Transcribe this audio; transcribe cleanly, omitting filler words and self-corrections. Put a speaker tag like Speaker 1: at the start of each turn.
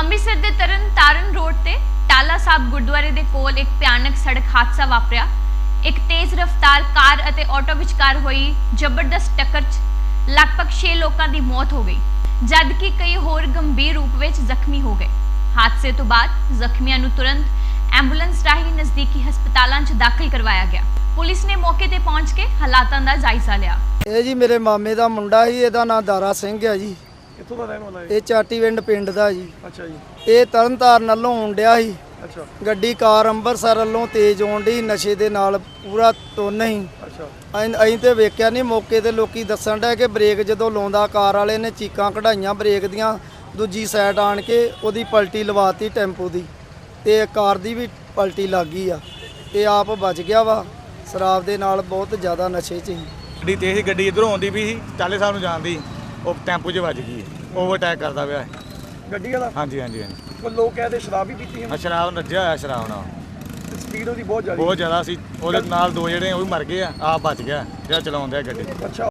Speaker 1: ਅੰਮ੍ਰਿਤਸਰ ਦੇ ਤਰਨਤਾਰਨ ਰੋਡ ਤੇ ਟਾਲਾ ਸਾਹਿਬ ਗੁਰਦੁਆਰੇ ਦੇ ਕੋਲ ਇੱਕ ਭਿਆਨਕ ਸੜਕ ਹਾਦਸਾ ਵਾਪਰਿਆ। ਇੱਕ ਤੇਜ਼ ਰਫ਼ਤਾਰ ਕਾਰ ਅਤੇ ਆਟੋ ਵਿਚਕਾਰ ਹੋਈ ਜ਼ਬਰਦਸਤ ਟੱਕਰ 'ਚ ਲਗਭਗ 6 ਲੋਕਾਂ ਦੀ ਮੌਤ ਹੋ ਗਈ, ਜਦਕਿ ਕਈ ਹੋਰ ਗੰਭੀਰ ਰੂਪ ਵਿੱਚ ਜ਼ਖਮੀ ਹੋ ਗਏ। ਹਾਦਸੇ ਤੋਂ ਬਾਅਦ ਜ਼ਖਮੀਆਂ ਨੂੰ ਤੁਰੰਤ ਐਂਬੂਲੈਂਸ ਰਾਹੀਂ ਨਜ਼ਦੀਕੀ ਹਸਪਤਾਲਾਂ 'ਚ ਦਾਖਲ ਕਰਵਾਇਆ ਗਿਆ। ਪੁਲਿਸ ਨੇ ਮੌਕੇ ਤੇ ਪਹੁੰਚ ਕੇ ਹਾਲਾਤਾਂ ਦਾ ਜਾਇਜ਼ਾ ਲਿਆ।
Speaker 2: ਇਹ ਜੀ ਮੇਰੇ ਮਾਮੇ ਦਾ ਮੁੰਡਾ ਸੀ, ਇਹਦਾ ਨਾਮ ਦਾਰਾ ਸਿੰਘ ਹੈ ਜੀ।
Speaker 3: ਕਿੱਥੋਂ ਦਾ ਰਹਿਣ ਵਾਲਾ ਹੈ?
Speaker 2: ਇਹ ਚਾਟੀਵਿੰਡ ਪਿੰਡ ਦਾ ਜੀ।
Speaker 3: ਅੱਛਾ ਜੀ।
Speaker 2: ਇਹ ਤਰਨਤਾਰਨ ਵੱਲੋਂ ਆਉਣ ਡਿਆ ਸੀ।
Speaker 3: ਅੱਛਾ
Speaker 2: ਗੱਡੀ ਕਾਰ ਅੰਮ੍ਰਿਤਸਰ ਵੱਲੋਂ ਤੇਜ਼ ਆਉਣ ਡਈ, ਨਸ਼ੇ ਦੇ ਨਾਲ ਪੂਰਾ ਤੁੰਨ ਸੀ।
Speaker 3: ਅੱਛਾ
Speaker 2: ਅਸੀਂ ਤੇ ਵੇਖਿਆ ਨਹੀਂ, ਮੌਕੇ ਤੇ ਲੋਕੀ ਦੱਸਣ ਡਿਆ ਕਿ ਬ੍ਰੇਕ ਜਦੋਂ ਲਾਉਂਦਾ ਕਾਰ ਵਾਲੇ ਨੇ ਚੀਕਾਂ ਕਢਾਈਆਂ ਬ੍ਰੇਕ ਦੀਆਂ, ਦੂਜੀ ਸਾਈਡ ਆਣ ਕੇ ਉਹਦੀ ਪਲਟੀ ਲਵਾਤੀ ਟੈਂਪੂ ਦੀ, ਤੇ ਕਾਰ ਦੀ ਵੀ ਪਲਟੀ ਲੱਗ ਗਈ ਆ। ਤੇ ਆਪ ਬਚ ਗਿਆ ਵਾ, ਸ਼ਰਾਬ ਦੇ ਨਾਲ ਬਹੁਤ ਜ਼ਿਆਦਾ ਨਸ਼ੇ 'ਚ ਸੀ।
Speaker 4: ਗੱਡੀ ਤੇਜ਼ ਸੀ, ਗੱਡੀ ਇੱਧਰੋਂ ਆਉਂਦੀ ਵੀ ਸੀ, ਟਾਲੇ ਸਾਹਿਬ ਨੂੰ ਜਾਂਦੀ, ਉਹ ਟੈਂਪੂ 'ਚ ਵੱਜ ਗਈ, ਓਵਰਟੇਕ ਕਰਦਾ ਪਿਆ।
Speaker 3: ਗੱਡੀ ਵਾਲਾ?
Speaker 4: ਹਾਂਜੀ ਹਾਂਜੀ।
Speaker 3: ਕੋਈ ਲੋਕ ਕਹਿੰਦੇ ਸ਼ਰਾਬ ਵੀ ਪੀਤੀ ਹੈ।
Speaker 4: ਸ਼ਰਾਬ ਨੱਜਿਆ ਹੋਇਆ, ਸ਼ਰਾਬ ਨਾਲ
Speaker 3: ਸਪੀਡ ਉਹਦੀ ਬਹੁਤ ਜ਼ਿਆਦਾ
Speaker 4: ਬਹੁਤ ਜ਼ਿਆਦਾ ਸੀ। ਉਹਦੇ ਨਾਲ ਦੋ ਜਿਹੜੇ ਉਹ ਵੀ ਮਰ ਗਏ ਆ, ਆਪ ਬਚ ਗਿਆ ਜਿਹੜਾ ਚਲਾਉਂਦਾ ਗੱਡੀ।
Speaker 3: ਅੱਛਾ।